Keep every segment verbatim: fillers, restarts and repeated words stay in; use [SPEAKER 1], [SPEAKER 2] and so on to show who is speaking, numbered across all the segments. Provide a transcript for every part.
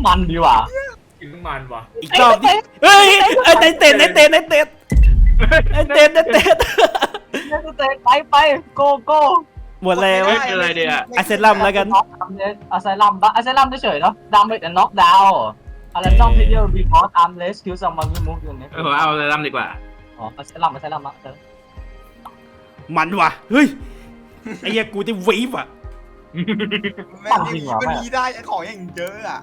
[SPEAKER 1] มันดีว่ะ
[SPEAKER 2] กินน้ำมันว่ะ
[SPEAKER 3] อีกรอบดิเฮ้ยไอ้เต้นเต้นไอ้เต้นไอ้เต้นไอ้เต้นไอ้เต้น
[SPEAKER 1] เต้นไปไปโกโก้
[SPEAKER 3] หมดแล้ว
[SPEAKER 2] อะไรเดี๋ยว
[SPEAKER 3] อาเซรัมแล้วกัน
[SPEAKER 1] อาเซรัมอาเซรัมเฉยๆเนาะดามไปแต่น็อกดาวน์อะไรต้องเพลเยอร์บีคอสอาร์มเลสคิวซัมมันมูฟอยู่เนี่ย
[SPEAKER 2] เออเอาอะไรรำดีกว่า
[SPEAKER 1] อ๋ออาเซรัมอาเซรัมอ่ะเออ
[SPEAKER 3] มันว่ะเฮ้ยไอ้เหี้ยกูจะวีบอ่ะ
[SPEAKER 4] แม่งยังมีมันมีได้ของอย่างเยอะอ่ะ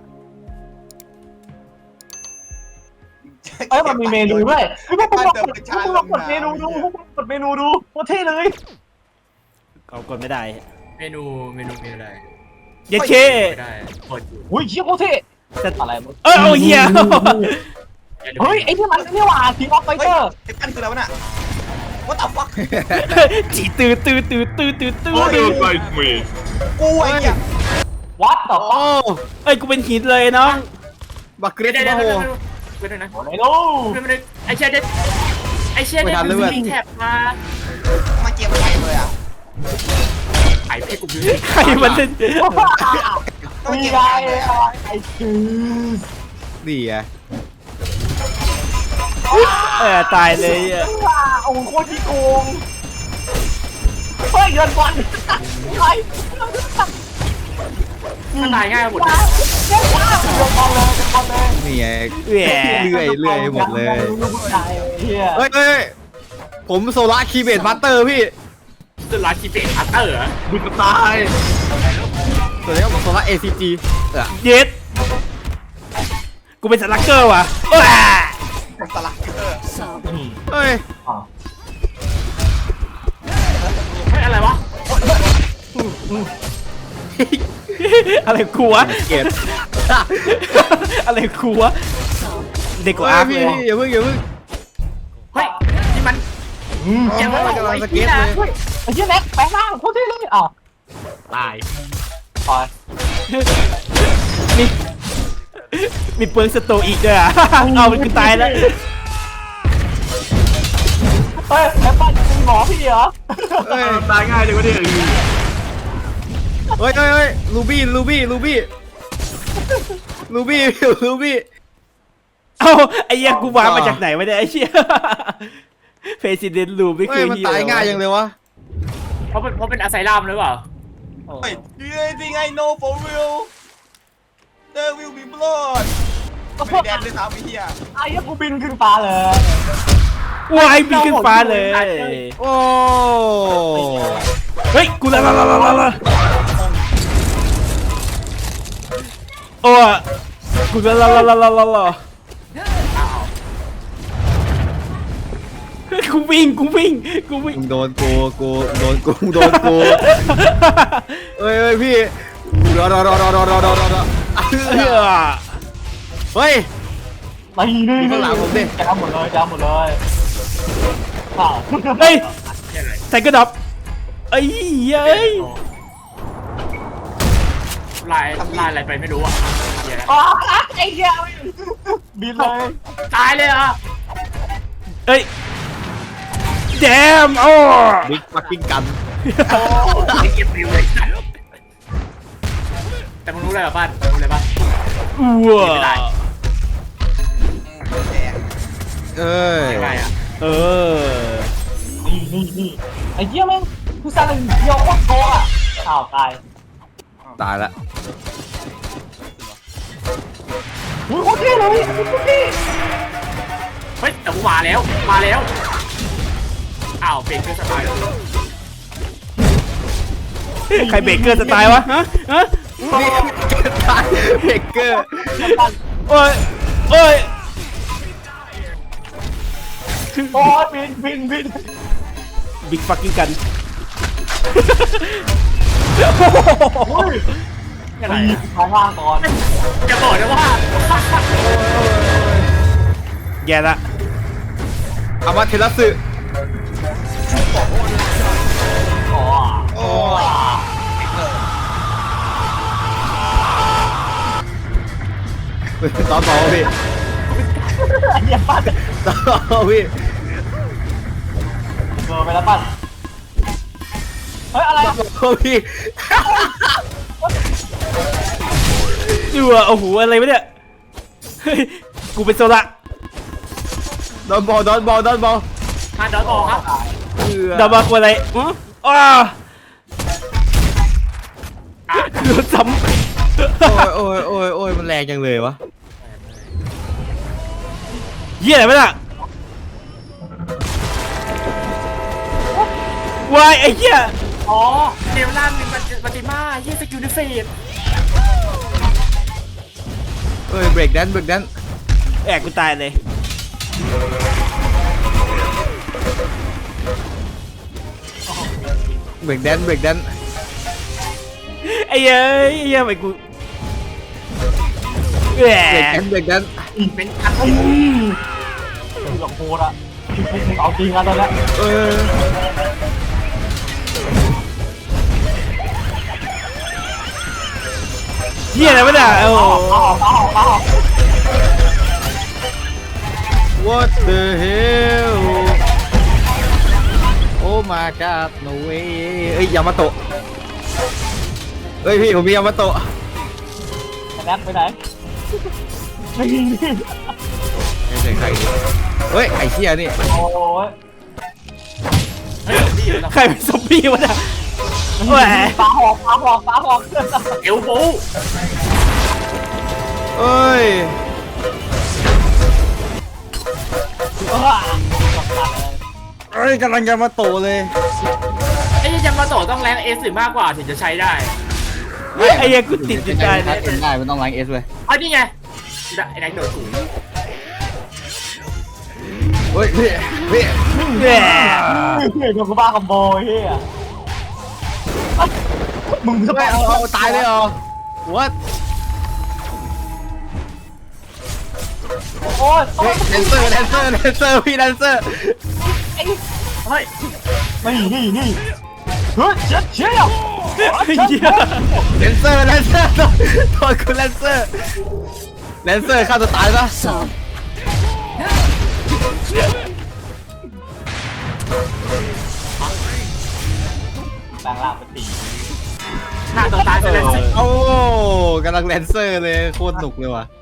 [SPEAKER 1] เอ้ยมันมีเมนูด้วยพวกมึงลองกดเมนูดูกดเมนูดูโคตรเท่เลย
[SPEAKER 3] เอากดไม่ได้
[SPEAKER 2] เมนูเมนูเมนูอะไร
[SPEAKER 3] เย็ดเค
[SPEAKER 2] ไม่ได้กดอยู่
[SPEAKER 1] อุ้ยเชี่ยโคตรเท่อะไร
[SPEAKER 3] เออเอาเหี้ย
[SPEAKER 1] เฮ้ยไอ้ที่มันนี่ว่าทีมออฟไฟเตอร์
[SPEAKER 4] ไอ้ปั้นคืออะไรวะน่ะ What the fuck
[SPEAKER 3] จีตื้อตื้อตื้อตื้อตื้อตื้อ
[SPEAKER 2] ดูไปมี
[SPEAKER 4] กูไอ้เหี้ย
[SPEAKER 1] What the fuck
[SPEAKER 3] เอ้ยกูเป็นหินเลยน้อง
[SPEAKER 2] บักเกรดได้โหไปด้วยนะ
[SPEAKER 1] ไม่รู้
[SPEAKER 2] ไม่ได้ไอเชี่ยเด็ดไอเชี่ยเด็ดมันมีแท็บมา
[SPEAKER 4] มาเก็บไข่เลยอ่ะ
[SPEAKER 2] ไข่เพชรกูยืน
[SPEAKER 3] ใครมันเป็น
[SPEAKER 1] มีไงไอ้คือ
[SPEAKER 5] นี่ไง
[SPEAKER 3] เออตายเลยอ่ะ
[SPEAKER 1] โอ้โคตรที่โกงเฮ้ยเงินบอลใคร
[SPEAKER 2] มันตายง่ายหมดเลย
[SPEAKER 1] เงินบอลเลยเงินบอลเลย
[SPEAKER 5] นี่ไง
[SPEAKER 3] แหว
[SPEAKER 5] เลื่อยเลื่อยหมดเลย
[SPEAKER 1] เฮ้ย
[SPEAKER 5] เฮ้ยผมโซล่าคีเบตมาสเตอร์พี่
[SPEAKER 2] สุดลาคีเบตอัตเตอร์บุญตาย
[SPEAKER 5] ตัวนี้ก็โซล่าเอซีจี
[SPEAKER 3] เย็ดกูเป็นสลักเกอร์ว่ะ
[SPEAKER 4] สลักเกอร์
[SPEAKER 5] เฮ้ย
[SPEAKER 2] เฮ้ยอะไรวะ
[SPEAKER 3] อะไรกูวะ
[SPEAKER 5] เกต
[SPEAKER 3] อะไรกูวะเด็กกว่าอาร์
[SPEAKER 5] พี่อย่าเพิ่งอย่าเพิ่ง
[SPEAKER 2] เฮ้ยนี่มัน
[SPEAKER 5] ยังไม่กำลังสเก็ตเลย
[SPEAKER 1] ไอ้เหี้ยแน็กแปลงร่างโคตรเท่เลยอ้าว
[SPEAKER 2] ตาย
[SPEAKER 1] ตาย
[SPEAKER 3] มีมีเปิร์กสโตอีกด้วยอ่ะเอามันคือตายแล้ว
[SPEAKER 1] เฮ้ยแอปเปิ้ลเป็นหมอพี่เหรอ
[SPEAKER 5] เฮ้ย
[SPEAKER 2] ตายง่ายจังวะเนี่ย
[SPEAKER 5] เฮ้ยเฮ้ยเฮ้ยลูบี้ลูบี้ลูบี้ลูบี้ลูบี้
[SPEAKER 3] เอ้าไอ้เหี้ยกูวางมาจากไหนวะเนี่ยไอ้เหี้ยเพรสิดเนนต์ลูไม่เคย
[SPEAKER 5] มันตายง่ายยังเลยวะ
[SPEAKER 2] เพราะเป็นเพราะเป็นอาไซรัมหรือเปล่า
[SPEAKER 4] เฮ้ย Do you think I know for real There will be blood ไม่แดนเลยครับไอ้เหี้ย
[SPEAKER 1] ไอ้เหี้ยกูบินขึ้นฟ้าเลยว
[SPEAKER 3] ายบินขึ้นฟ้าเลย
[SPEAKER 5] โอ้
[SPEAKER 3] เฮ้ยกูละละละละละโอ้กูละละละละละละละกูวิ่งกูวิ่งกูวิ่ง
[SPEAKER 5] โดนกูกูโดนกูโดนกูเฮ้ยเฮ้ยพี่รอรอรอรอรอรอรอรอเฮ้ย
[SPEAKER 1] ไม่นี่
[SPEAKER 5] ข้างหลังผมดิ
[SPEAKER 1] จ้าหมดเลยจ้าหมดเลย
[SPEAKER 3] เฮ้ยใส่กระดับไอ้เย้ย
[SPEAKER 2] ลายลายอะไรไปไม่รู้อ่ะ
[SPEAKER 1] อ๋อไอ้เหี้ยบินเลย
[SPEAKER 2] ตายเลยอ่ะ
[SPEAKER 3] เอ้ยแจมโอ้
[SPEAKER 5] บิ๊กฟักกิ้งกัน
[SPEAKER 2] โอ้ยเก็บริวเลยแต่มึงรู้อะไรบ้างรู้อะไรบ้าง
[SPEAKER 3] ว้า
[SPEAKER 5] เอ้ย
[SPEAKER 3] เออ
[SPEAKER 1] นี่นี่นี่ไอ้เหี้ยแม่งกูสั่งเดียวโคตรโตอ่ะอ้าวตาย
[SPEAKER 5] ตายละ
[SPEAKER 1] อุ้ยโคตรเท่เลยโคตรเท่
[SPEAKER 2] เฮ้ยแต่กูมาแล้วมาแล้วอ้าวเบรกเกอร์สไตล์
[SPEAKER 3] ใครเบรกเกอร์สไตล์วะฮะฮะ
[SPEAKER 5] เบรกเกอร์
[SPEAKER 3] โอ้ยโอ้ย
[SPEAKER 1] โอ้ยบินบินบิน
[SPEAKER 3] บิ๊กฟักกิ้งกัน
[SPEAKER 1] อะไรท้องว่างก่อน
[SPEAKER 2] จะบอกนะว่า
[SPEAKER 3] แย่ละ
[SPEAKER 5] อามาเทลัสึ
[SPEAKER 1] โอ้
[SPEAKER 4] โอ้
[SPEAKER 5] ต่อต่อพี่
[SPEAKER 1] อย่าปั้น
[SPEAKER 5] ต่อพี่
[SPEAKER 1] เบอร์ไปแล้วปั้นเฮ้ยอะไร
[SPEAKER 5] ต่อพี่
[SPEAKER 3] ดูอ่ะโอ้โหอะไรวะเนี่ยเฮ้ยกูเป็นโซละ
[SPEAKER 5] โดนบอลโดนบอลโดนบอล
[SPEAKER 2] มาดอนออกครับ
[SPEAKER 5] เอือ
[SPEAKER 3] ดาบาควอะไรอ๋ออ้า
[SPEAKER 2] อ่ะ
[SPEAKER 3] โดนซ้
[SPEAKER 5] โอ้ยโอ้ยโอ้ยโอ้ยมันแรงจังเลยวะ
[SPEAKER 3] ำเหี้ยอะไรวะน่ะวายไอ้เหี้ย
[SPEAKER 2] อ๋อเดวลันเป็นปฏิมาเยี่ยสกิลดิเฟต
[SPEAKER 5] เอ้ยเบรกแดนเบรกแดน
[SPEAKER 3] แอกกูตายเลย
[SPEAKER 5] เบรกแดนเบรกแดน
[SPEAKER 3] ไอ้เอ้ยไอ้เหี้ยไปกูแห
[SPEAKER 5] เบรก
[SPEAKER 3] ม
[SPEAKER 5] แดนเบรกแดน
[SPEAKER 2] เป็นอัน
[SPEAKER 1] คือหลงโคตรอะมึงเอาจริงอะตอนเนี้ย
[SPEAKER 5] เออ
[SPEAKER 3] เหี้ยอะไรวะน่ะโอ้โห
[SPEAKER 1] เอาออกเอาออกเอาออก
[SPEAKER 5] What the hell Oh my god no way เอ้ยยามาโตะเอ้ยพี่ผมมียามาโตะ
[SPEAKER 1] แนทไปไหนไม่ยิงดิ
[SPEAKER 5] ไม่ใช่ใครดิเฮ้ยไอ้เหี้ยนี่
[SPEAKER 1] โอ้ย
[SPEAKER 2] เฮ้ยนี่เหรอ
[SPEAKER 3] ใครเป็นซอมบี้วะน่ะแหม
[SPEAKER 1] ฟ้าหอกฟ้าหอกฟ้าหอก
[SPEAKER 2] เอลโบ
[SPEAKER 5] เอ้ย เอ้ยกำลังยามาโตะเลย
[SPEAKER 2] ไอ้ยามาโตะต้องแรงเอสหรือมากกว่าถึงจะใช้ได้
[SPEAKER 3] ไอ้เหี้ยกูติดอยู่ใจเลย
[SPEAKER 5] เป็นได้มันต้องล้างเอสเลย
[SPEAKER 2] เอานี่ไงไอ้แดงโดดสูง
[SPEAKER 5] เฮ้ยพี่พี่
[SPEAKER 3] แหม
[SPEAKER 1] เฮ้ยกูบ้าคอมโบเฮียมึงจะ
[SPEAKER 5] ไม่เอาเอาตายเลยเหรอ What
[SPEAKER 1] โอ้ย
[SPEAKER 5] เฮ้ยแดนเซอร์แดนเซอร์แดนเซอร์พี่แดนเซอร์
[SPEAKER 2] เฮ้ย
[SPEAKER 1] นี่นี่นี่เฮ้ยเจ็ดเชี่ยว
[SPEAKER 3] ไอ้เหี้ย
[SPEAKER 5] แดนเซอร์แดนเซอร์โทษคุณแดนเซอร์แดนเซอร์ฆ่าตัวตายปะ
[SPEAKER 1] แปลงร่างเป็นตี
[SPEAKER 2] หน้าตัวตายไปเลย
[SPEAKER 5] โอ้กำลังแดนเซอร์เลยโคตรหนุกเลยว่ะ